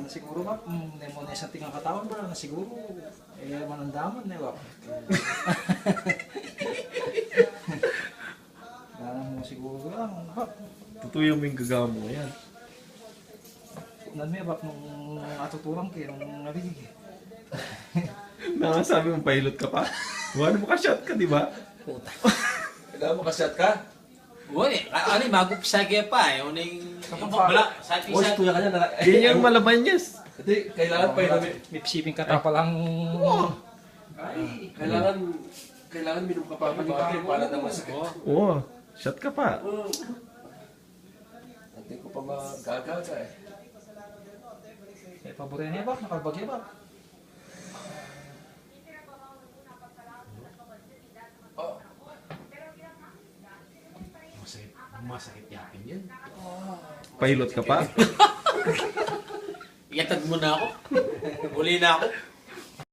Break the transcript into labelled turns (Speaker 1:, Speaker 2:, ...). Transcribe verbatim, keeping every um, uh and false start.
Speaker 1: na siguro ba, kung hindi mo na isang tingang katawan ba, na siguro, eh, manandaman na ba? Ganang mo siguro lang, ba?
Speaker 2: Tutuyo mo yung gagamo. Yan.
Speaker 1: Unan mo ba, nung atuturang kayo, nung narinig eh.
Speaker 2: Nakasabi mong pilot ka pa. Wala mo ka-shot ka, di ba?
Speaker 3: Puta.
Speaker 4: Kailangan makashot ka?
Speaker 3: Uy, ano yung magupisa kaya pa eh. Ano yung... Bala, sa ating
Speaker 4: O,
Speaker 3: isa.
Speaker 4: tuya ka niya. na-
Speaker 2: Ganyan yung malaman yes.
Speaker 4: Hindi, kailangan pa yun.
Speaker 1: May siping ka pa lang.
Speaker 4: Ay, kailangan, kailangan minum ka pa pag para naman sakit.
Speaker 2: Oo. Shot ka pa.
Speaker 4: Hindi ko pa magagaga eh.
Speaker 1: Eh, paborito niya ba? Nakalbagya ba?
Speaker 4: Oh,
Speaker 3: Masakit, masakit yapin yun.
Speaker 2: Pilot ka pa.
Speaker 3: Iatag mo na ako. Uli na ako.